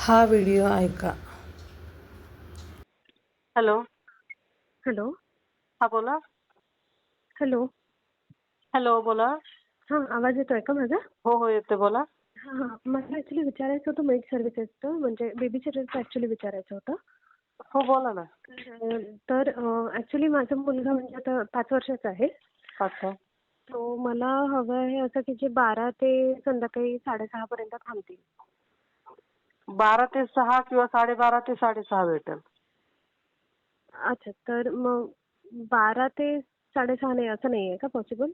हा व्हिडिओ ऐका. Hello. Hello. हा बोला. हॅलो. हॅलो बोला. हां, आवाज येतोय का माझा? हो हो येते बोला. हां, हां. मला ॲक्च्युली विचारायचं होतं मेड सर्व्हिसेसचं, म्हणजे बेबी सिटरचं ॲक्च्युली विचारायचं होतं. हो बोला ना. तर ॲक्च्युली माझा मुलगा म्हणजे आता 5 वर्षाचा आहे. अच्छा. तो मला हवं आहे असं की जे 12 ते संध्याकाळी 6:30 पर्यंत थांबतील. 12 ते 6 किंवा 12:30 ते 6:30 भेटेल. अच्छा, तर मग 12 ते 6:30 नाही असं नाहीये का पॉसिबल?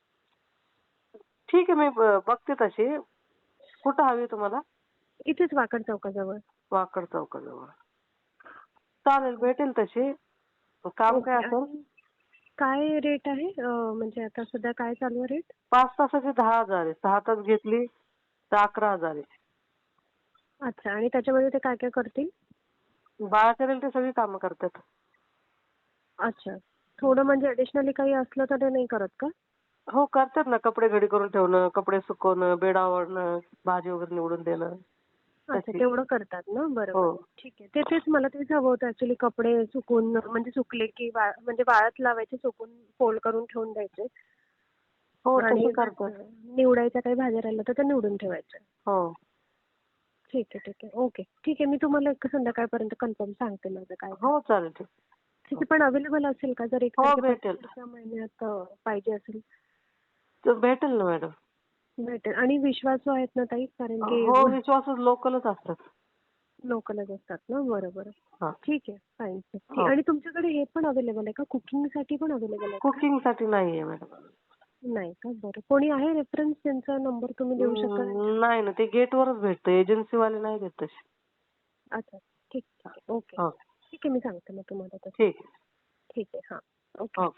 ठीक आहे मी बघते तशी. कुठं हवी तुम्हाला? इथेच वाकड चौकाजवळ. वाकड चौकाजवळ. चालेल भेटेल तशी. काम काय ओके. असेल? आणि काय रेट आहे? म्हणजे आता सध्या काय चालू आहे रेट? 5 तासाचे 10,000 आहे. 6 तास घेतली तर 11,000 आहे. अच्छा, आणि त्याच्यामध्ये ते काय काय करतील? बाळा करेल ते सगळी कामं करतात. अच्छा. थोडं म्हणजे ॲडिशनली काही असलं तर ते नाही करत का? हो करतात ना. कपडे घडी करून ठेवणं, कपडे सुकवणं, बेड आवरणं, भाजी वगैरे निवडून देणं. अच्छा, तशी. तेवढं करतात ना? हो. बरोबर. ठीक आहे. तेच मला तेच हवं होतं ॲक्च्युली, कपडे सुकवून म्हणजे सुकले की म्हणजे वाळत लावायचे, सुकून फोल्ड करून ठेवून द्यायचे. हो आणि तसं करतात. निवडायच्या काही भाज्या राहिल्या तर त्या निवडून ठेवायच्या. हो. ठीक आहे, ठीक आहे. ओके. ठीक आहे. मी तुम्हाला एक संध्याकाळपर्यंत कन्फर्म सांगते माझं काय ते. हो चालेल ठीक. ठीक आहे. पण अवेलेबल असेल का? जर 1 हो तारखेपासून भेटेल. पुढच्या महिन्यात पाहिजे असेल? तर भेटेल ना मॅडम. भेटेल. आणि विश्वासू आहेत ना ताई? कारण की हो विश्वासच लोकलच असतात. लोकलच असतात ना? बरोबर. हा. ठीक आहे. फाईन. हो. आणि तुमच्याकडे हे पण अवेलेबल आहे का? कुकिंगसाठी पण अवेलेबल आहेत का? कुकिंग साठी नाहीये मॅडम. नाही का? बरं. कोणी आहे रेफरन्स, त्यांचा नंबर तुम्ही देऊ शकता त्यांच्याकडे? नाही ना ते गेटवरच भेटतं. एजन्सीवाले नाही देत तसे. अच्छा. ठीक, ठीक आहे. ओके. हो ठीक आहे. मी सांगते मग तुम्हाला तसं. ठीक आहे. ठीक आहे. हां. ओके. हो.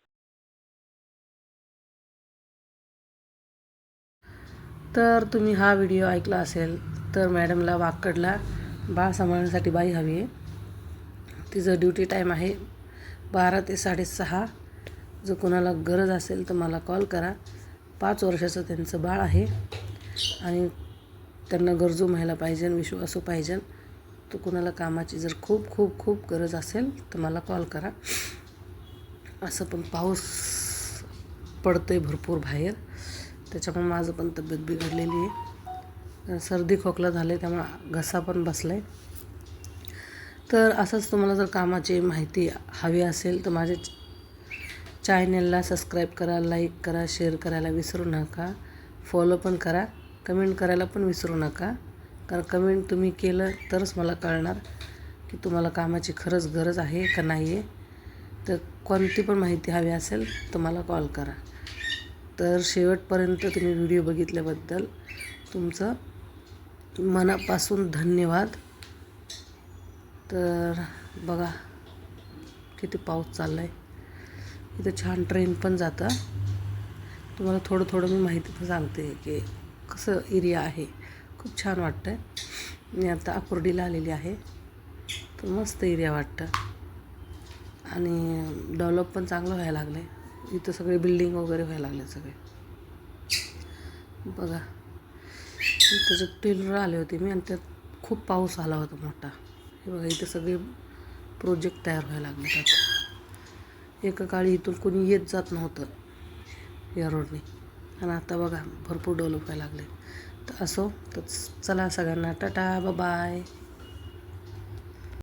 तर तुम्ही हा व्हिडिओ ऐकला असेल तर मॅडमला वाकडला बाळ सांभाळण्यासाठी बाई हवी आहे. तिचं ड्युटी टाईम आहे 12 ते 6:30. जर कोणाला गरज असेल तर मला कॉल करा. 5 वर्षाचं त्यांचं बाळ आहे आणि त्यांना गरजू महिला पाहिजे, विश्वासू पाहिजे. तर कोणाला कामाची जर खूप खूप खूप गरज असेल तर मला कॉल करा. असं पण पाऊस पडतोय भरपूर बाहेर, त्याच्यामुळे माझं पण तब्येत बिघडलेली आहे. सर्दी खोकला झाले, त्यामुळे घसा पण बसला आहे. तर असंच तुम्हाला जर कामाची माहिती हवी असेल तर माझ्या चॅनलला सबस्क्राईब करा, लाईक करा, शेअर करायला विसरू नका. फॉलो पण करा, कमेंट करायला पण विसरू नका. कारण कमेंट तुम्ही केलं तरच मला कळणार की तुम्हाला कामाची खरंच गरज आहे का नाही आहे. तर कोणती पण माहिती हवी असेल तर मला कॉल करा. तर शेवटपर्यंत तुम्ही व्हिडिओ बघितल्याबद्दल तुमचं मनापासून धन्यवाद. तर बघा किती पाऊस चालला आहे. इथं छान ट्रेन पण जातं. तुम्हाला थोडं थोडं मी माहिती पण सांगते की कसं एरिया आहे. खूप छान वाटतं आहे. मी आता आकुर्डीला आलेली आहे. तर मस्त एरिया वाटतं आणि डेव्हलप पण चांगलं व्हायला लागलं आहे. इथं सगळे बिल्डिंग वगैरे व्हायला लागले सगळे. बघा त्याच्यात टेलर आले होते मी आणि त्यात खूप पाऊस आला होता मोठा. हे बघा इथं सगळे प्रोजेक्ट तयार व्हायला लागले आता. एका काळी इथून कोणी येत जात नव्हतं या रोडने, आणि आता बघा भरपूर डेव्हलप व्हायला लागले. तर असो, तर चला सगळ्यांना टाटा बाय.